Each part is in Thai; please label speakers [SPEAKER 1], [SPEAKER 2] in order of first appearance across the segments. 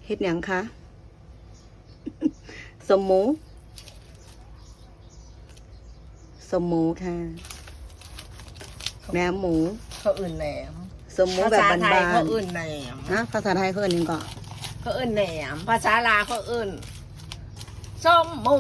[SPEAKER 1] เฮ็ดหยังคะสมหมูค่ะแหนมหมู
[SPEAKER 2] เขาอื่นแหนม
[SPEAKER 1] สมหมูแบบบาน
[SPEAKER 2] ภาษาไทยเขาอื่นแหนม
[SPEAKER 1] ๆนะภาษาไทยเขาเรียกนี่ก็
[SPEAKER 2] เขาอื่นแหนมภาษาลาวเขาอื่นส้มหมู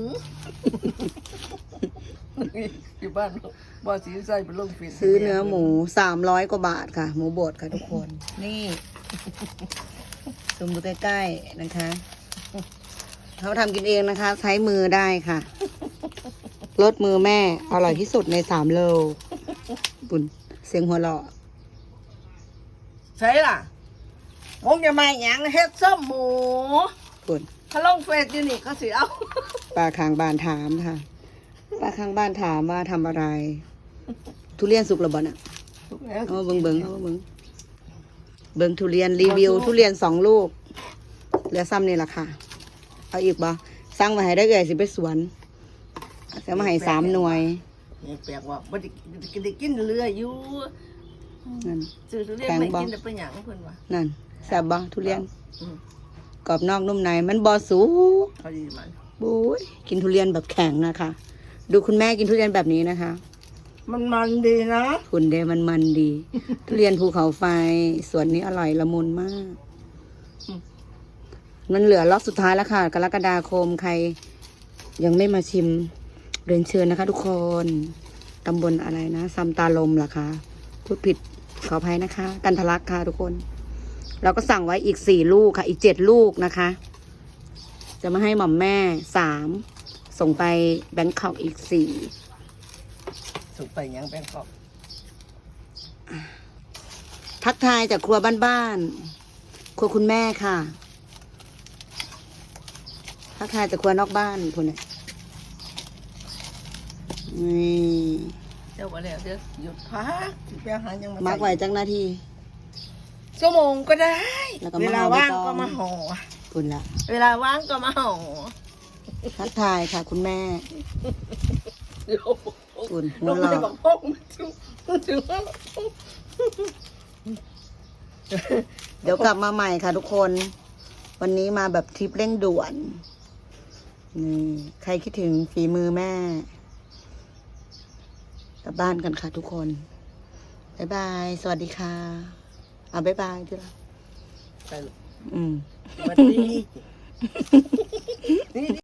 [SPEAKER 2] อยู่บ้านบ่สีใส่เป็นลูกฟิน
[SPEAKER 1] ซื้อเนื้อหมู300 กว่าบาทค่ะ หมูบดค่ะทุกคน นี่ซูมดูใกล้ๆนะคะเขาทำกินเองนะคะ ใช้มือได้ค่ะรสมือแม่อร่อยที่สุดใน3 โลปุ่นเสียงหัวเราะ
[SPEAKER 2] ใช่ล่ะมงจะมาอย่างเฮ็ดส้มหมู
[SPEAKER 1] ปุ่น
[SPEAKER 2] เขาลงเฟซอยู่นี่เขาสิเอา
[SPEAKER 1] ป้าข้างบ้านถามค่ะป้าข้างบ้านถามว่าทำอะไร ทุเรียนสุกหรือบ่น่ะเอามาเบิ่งเอามาเบิ่งทุเรียนรีวิว ทุเรียน2 ลูกเหลือซ้ำนี่แหละค่ะเอาอีกบ่สั่งมาให้ได้เลยสิไปสวนจะมาให้3 หน่วย
[SPEAKER 2] นี่แปลกว่าบ่ได้กินเรืออยู่
[SPEAKER 1] นั่น
[SPEAKER 2] ซื้อทุเรียนไม่กินแต่เป็นหยังเพิ่นว่า
[SPEAKER 1] นั่นแซ่บบ่ทุเรียน
[SPEAKER 2] อืม
[SPEAKER 1] กรอบนอกนุ่มในมันบ่สุก
[SPEAKER 2] พอดีมัน
[SPEAKER 1] บุ้ยกินทุเรียนแบบแข็งนะคะ ดูคุณแม่กินทุเรียนแบบนี้นะคะ
[SPEAKER 2] มันดีนะ
[SPEAKER 1] คุณเดมันดี ทุเรียนภูเขาไฟสวนนี้อร่อยละมุนมาก มันเหลือล็อตสุดท้ายแล้วค่ะ กรกฎาคมใคร ยังไม่มาชิมเรียนเชิญนะคะ ทุกคนตำบลอะไรนะซำตาลมเหรอคะพูดผิดขออภัยนะคะ กันทะลักค่ะทุกคนเราก็สั่งไว้อีก4 ลูกค่ะ อีก7 ลูกนะคะ จะมาให้หม่อมแม่3ส่งไปแบงคอกอีก4
[SPEAKER 2] สุกไปหยังเป็นขอบ
[SPEAKER 1] ทักทายจากครัวบ้านๆครัวคุณแม่ค่ะทักทายจากครัวนอกบ้านคุณเนี่ยนี่
[SPEAKER 2] เจ้าว่าแล้วเดี๋ยวหยุดพักสิไปหายัง
[SPEAKER 1] มักไว้จังนาที
[SPEAKER 2] ชั่วโมงก็ได้
[SPEAKER 1] แล้วก็มา
[SPEAKER 2] เวลา
[SPEAKER 1] ห่อใบ
[SPEAKER 2] ว่าง
[SPEAKER 1] ตอง
[SPEAKER 2] ก็มาห่อ
[SPEAKER 1] คุณละ
[SPEAKER 2] เวลาว่างก็มาห่อ
[SPEAKER 1] ทักทายค่ะ คุณแม่
[SPEAKER 2] เดี๋ยว
[SPEAKER 1] คุณหั
[SPEAKER 2] เรา
[SPEAKER 1] ว
[SPEAKER 2] ไม่
[SPEAKER 1] เราะ
[SPEAKER 2] บอกพ่อมันถึงว่า
[SPEAKER 1] เดี๋ยวกลับมาใหม่ค่ะทุกคน วันนี้มาแบบทริปเร่งด่วนนี่ใครคิดถึงฝีมือแม่กลับบ้านกันค่ะทุกคนบ๊ายบาย สวัสดีค่ะบ๊ายบายจุฬา
[SPEAKER 2] ไปลูก
[SPEAKER 1] อืม
[SPEAKER 2] สวัสดี